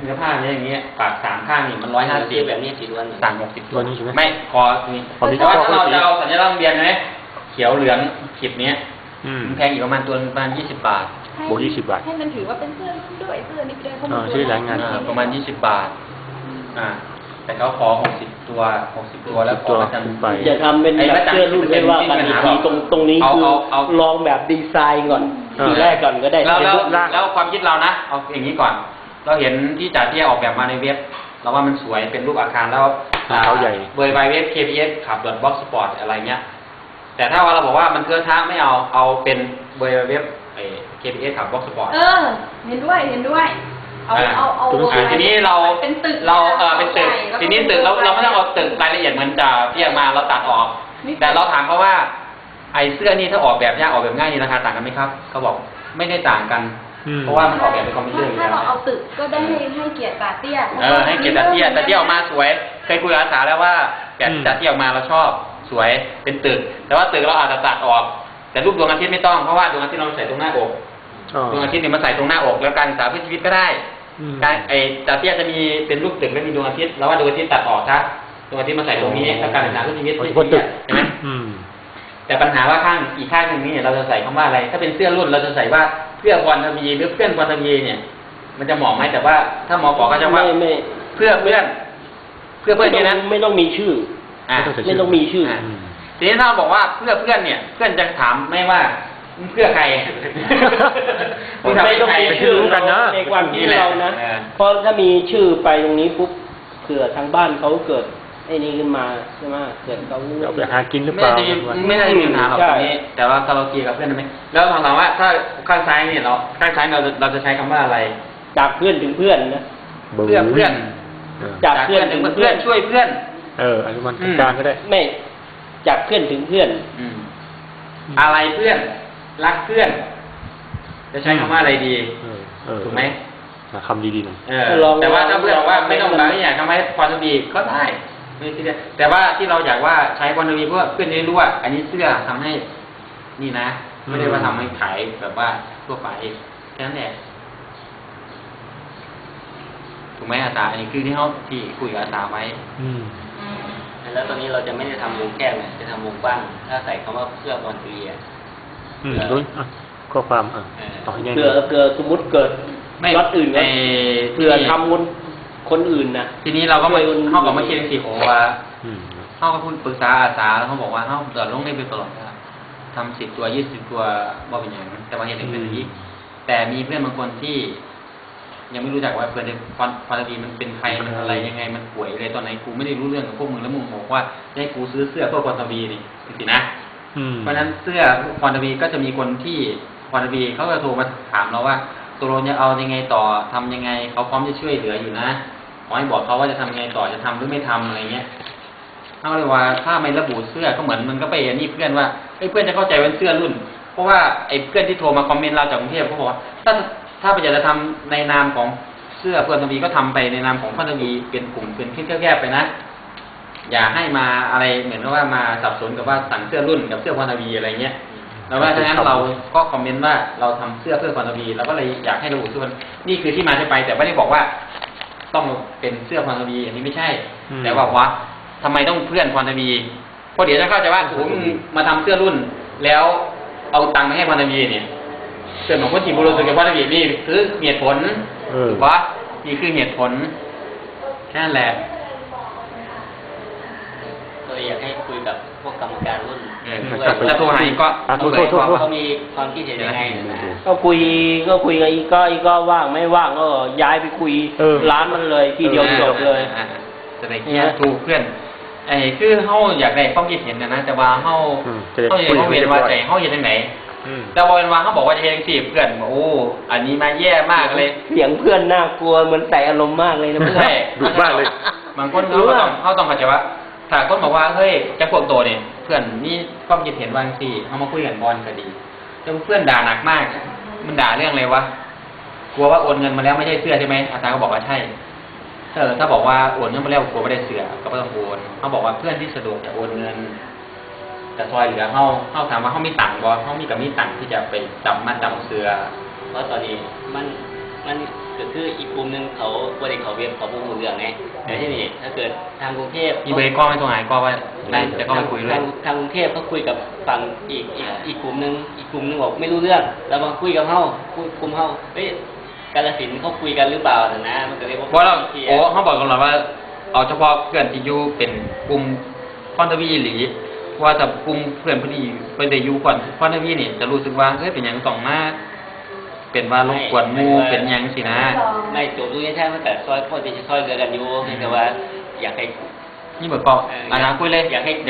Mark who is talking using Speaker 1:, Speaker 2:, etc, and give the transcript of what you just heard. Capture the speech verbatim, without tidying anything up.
Speaker 1: เนื้อผ้าเนี้ยอย่างเงี้ยปากสามข้างนี่มันร้อยห้าสิบแบบนี้กี่ตัวสั่งหกสิบตัวนี้ใช่ไหมไม่คอนี่แต่ว่าถ้าเราจะเอาสัญลักษณ์โรงเรียนไหมเขียวเหลืองขีดเนี้ยมันแพงอยู่ประมาณตัวประมาณยี่สิบบาท
Speaker 2: บวกยี่สิบบาท
Speaker 3: ให้มันถือว่าเป็นเสื้อด้วยเสื้อนี่ด้วยเขา
Speaker 2: ชื่อแรงงาน
Speaker 1: ประมาณยี่สิบบาทอ่าแต่เขาขอหกสิบตัวหกสิบตัวแล้วขอประจำไป
Speaker 4: อย่าทำเป็นแบบเสื้อรุ่นไม่ว่ากันทีตรงตรงนี้คือลองแบบดีไซน์ก่อนทีแรกก่อนก็ได้
Speaker 1: แล้วแล้วความคิดเรานะเอาอย่างนี้ก่อนเราเห็นที่จ่าเตี้ยออกแบบมาในเว็บเราว่ามันสวยเป็นรูปอาคารแล้ว
Speaker 2: เขาใหญ่
Speaker 1: เบอร์ไวเว็บ เค พี เอส ขับรถบ็อกซ์สปอร์ตอะไรเงี้ยแต่ถ้าว่าเราบอกว่ามันเกินท้าไม่เอาเอาเป็นเบอร์เว็บ เค พี เอส ขับบ็อกซ์สปอร์ต
Speaker 3: เออเห็นด้วยเห็นด้วยเอาเอาเอา
Speaker 1: ทีนี้เรา
Speaker 3: เป็นตึก
Speaker 1: เราเออเป็นตึกทีนี้ตึกเราเราไม่ต้องเอาตึกรายละเอียดเหมือนจ่าเตี้ยมาเราตัดออกแต่เราถามเขาว่าไอ้เสื้อนี่ถ้าออกแบบยากออกแบบง่ายนี่ราคาต่างกันไหมครับเขาบอกไม่ได้ต่างกันเพราะว่ามันออกแบบเป็นคอมพิวเตอร์อยู่แล้ว
Speaker 3: ถ้าเราเอาตึกก็ได้ให้ให้เกียรติจ่าเตี้ย
Speaker 1: เออให้เกียรติจ่าเตี้ยจ่าเตี้ยออกมาสวยเคยคุยกับอาสาแล้วว่าแบบจ่าเตี้ยออกมาเราชอบสวยเป็นตึกแต่ว่าตึกเราอาจจะตัดออกแต่รูปดวงอาทิตย์ไม่ต้องเพราะว่าดวงอาทิตย์เราใส่ตรงหน้าอกดวงอาทิตย์เนี่ยมาใส่ตรงหน้าอกแล้วการศึกษาเพื่อชีวิตก็ได้การไอ้จ่าเตี้ยจะมีเป็นรูปตึกและมีดวงอาทิตย์แล้วว่าดวงอาทิตย์ตัดออกซะดวงอาทิตย์มาใส่ตรงนี้แล้วการศึกษาเพื่อชีวิตใช่ไหมแต่ปัญหาว่าข้างอีกข้างหนึ่งนี้เราจะใส่คำว่าอะไรถ้าเป็นเสื้อรุ่นเราจะใส่ว่าเพื่อพรทวีหรือเพื่อนพรทวีเนี่ยมันจะเหมาะไหมแต่ว่าถ้าหมอบอกก็จะว่าเพื่อเพื่อนเพื่อเพื่อนนี่นะ
Speaker 4: ไม่ต้องมีชื่อไม่ต้องมีชื่อ
Speaker 1: ทีนี้ถ้าบอกว่าเพื่อเพื่อนเนี่ยเพื่อนจะถามไม่ว่าเพื่อใคร
Speaker 4: ไม่ต้องมีชื่อกันนะในความคิดเรานะเพราะถ้ามีชื่อไปตรงนี้ปุ๊บเผื่อทางบ้านเขาเกิดไอ้นี่ขึ้นมาใช่ไหมเกิดเขา
Speaker 2: เอาไปหากินหรือเปล่า
Speaker 1: ไม่ได้มีปัญหาหรอกตรงนี้แต่ว่าเราเคลียร์กับเพื่อนได้ไหมแล้วถามว่าถ้าข้างซ้ายเนี่ยเราข้างซ้ายเราเราจะใช้คำว่าอะไร
Speaker 4: จากเพื่อนถึงเพื่อนนะ
Speaker 1: เพื่อเพื่อนจากเพื่อนถึงเพื่อนช่วยเพื่อน
Speaker 2: เอออันนี้มันกลางก็ได้
Speaker 4: ไม่จากเพื่อนถึงเพื่อน
Speaker 1: อะไรเพื่อนรักเพื่อนจะใช้คำว่าอะไรดีถูกไหม
Speaker 2: คำดีๆหน่อย
Speaker 1: แต่ว่าถ้าเพื่อนบอกว่าไม่ต้องบางอย่างทำไมความดีก็ได้ไม่ใช่แต่ว่าที่เราอยากว่าใช้ความดีเพื่อเพื่อนจะรู้ว่าอันนี้เสื้อทำให้นี่นะไม่ได้ว่าทำให้ขายแบบว่าทั่วไปแค่นั้นแหละถูกไหมอาสาอันนี้คือที่เขาที่คุยกับอาสาไว้แล้วตอนนี้เราจะไม่ได้ทำวงแก้วเนี่ยจะทำวงกว้างถ้าใส่คำว่าเพื่อความดีอ่ะ
Speaker 2: อืมด้วยข้อความอ่ะ
Speaker 4: ต่อให้เกิดเกิดสมมติเกิดวัดอื่นก็เพื่อทำคนคนอื่นนะ
Speaker 1: ทีนี้เราก็มาเข้ากับมาคิดสิโอว่าเข้ากับคุณปรึกษาอาสาแล้วเขาบอกว่าเข้าเกิดลงได้ไปตลอดนะทำสิบตัวยี่สิบตัวบ่เป็นอย่างแต่ว่าเห็นเป็นอย่างนี้แต่มีเพื่อนบางคนที่ยังไม่รู้จักว่าเพื่อนฟอนฟอนตีมันเป็นใครมันอะไรยังไงมันป่วยอะไรตอนไหนกูไม่ได้รู้เรื่องกับพวกมึงแล้วมึงบอกว่าให้กูซื้อเสื้อเพื่อฟอนตีนี่สินะเพราะนั้นเสื้อฟอนตีก็จะมีคนที่ฟอนตีเขาจะโทรมาถามเราว่าตัวเราจะเอายังไงต่อทำยังไงเขาพร้อมจะช่วยเหลืออยู่นะขอให้บอกเขาว่าจะทำยังไงต่อจะทำหรือไม่ทำอะไรเงี้ยเขาเลยว่าถ้าไม่ระบุเสื้อก็เหมือนมันก็ไปอันนี้เพื่อนว่าไอ้เพื่อนจะเข้าใจว่าเสื้อรุ่นเพราะว่าไอ้เพื่อนที่โทรมาคอมเมนต์เราจากกรุงเทพเขาบอกว่าถ้าถ้าไปอยากจะทำในนามของเสื้อเพื่อนทวีก็ทำไปในนามของเพื่อนทวีเป็นกลุ่มเป็นที่แคบๆไปนะอย่าให้มาอะไรเหมือนกับว่ามาสับสนกับว่าสั่งเสื้อรุ่นกับเสื้อเพื่อนทวีอะไรเงี้ยแล้วว่าฉะนั้นเราก็คอมเมนต์ว่าเราทำเสื้อเพื่อพรทวีเราก็เลยอยากให้ระบุชื่อนี่คือที่มาที่ไปแต่ไม่ได้บอกว่าต้องเป็นเสื้อพรทวีอันนี้ไม่ใช่แต่ว่าว่าทำไมต้องเพื่อนพรทวีเพราะเดี๋ยวจะเข้าใจว่าผมมาทำเสื้อรุ่นแล้วเอาตังค์มาให้พรทวีเนี่ยเสื้อของคนจีบบุรุษกับพรทวีนี่คือเหตุผลถูกปะนี่คือเหตุผลแค่นั้นแหละก็อยากให้คุยกับพวกกรรมการรุ่นแล้วตัวไหนก็เขามีความคิดเห็นยังไง
Speaker 4: ก็คุยก็คุยกับอีกก็อีกก็ว่างไม่ว่างก็ย้ายไปคุยร้านมันเลยทีเดียวจบเลย
Speaker 1: จะได้เงี้ยถูกเพื่อนไอ้คือเขาอยากได้ความคิดเห็นนะนะแต่ว่าเขาเขาอยากเขาเวียนว่าใจเขาเห็นยังไงแต่พอเป็นว่าเขาบอกว่าจะเห็นสิเพื่อนโอ้อันนี้มาแย่มากเลย
Speaker 4: เสียงเพื่อนน่ากลัวเหมือนใส่อารมณ์มากเลยนะเพื่อน
Speaker 2: ดุมากเลย
Speaker 1: บางคนเขาต้องเขาต้องเข้าใจว่าถ้าคนบอกว่าเฮ้ยจะพวกโตเนี่ยเพื่อนนี่ความคิดเห็นบางสิเขามาคุยกันบอลก็ดีแต่เพื่อนด่าหนักมากมันด่าเรื่องอะไรวะกลัวว่าโอนเงินมาแล้วไม่ใช่เสื้อใช่ไหมอาจารย์ก็บอกว่าใช่ถ้าถ้าบอกว่าโอนเงินมาแล้วกลัวไม่ได้เสื้อก็ไม่ต้องโอนเขาบอกว่าเพื่อนที่สะดวกจะโอนเงินแต่ซอยเหลือเขาเขาถามว่าเขามีตังค์บ่เขามีกับมีตังค์ที่จะไปจำมาจำเสื้อเพราะตอนนี้มันมันเ
Speaker 5: ก็คืออีกกลุ่มหนึงเขาบ่ได้เขาเว็บเขาบ่รู้เรื่องไงแต่ที่นี่ถ้าเกิดทางกรุงเทพ
Speaker 1: มีเบอร์ก้อนไม่ตรงไหนก็ว่าได้จะก็ไปคุยด้วย
Speaker 5: ทางทางกรุงเทพเขาคุยกับฝั่งอีกอีกอีกกลุ่มหนึงอีกกลุ่มหนึงบอกไม่รู้เรื่องแล้วมาคุยกับเฮาคุยกลุ่มเฮาเฮ้ยกาฬสินธุ์เขาคุยกันหรือเปล่าน่ะนะมันก็เลย
Speaker 1: เพราะเราโอ้เขาบอกกันหรอว่าเอาเฉพาะเพื่อนที่อยู่เป็นกลุ่มคอนเทวีหรือว่าแต่กลุ่มเพื่อนพอดีเพื่อนได้อยู่ก่อนคอนเทวีนี่จะรู้สึกว่าเฮ้ยเป็นหยังต้องมาเป็นว่ารบกวนหมู่เป็นหยังสินะ
Speaker 5: ไม่จบรู้ยังใช่มันแต่ซอยพ่อที่จะซอยเรือกันอยู่แต่ว่าอยากให้
Speaker 1: นี่เบอร์ก้อนอันนั้นคุยเลย
Speaker 5: อยากให้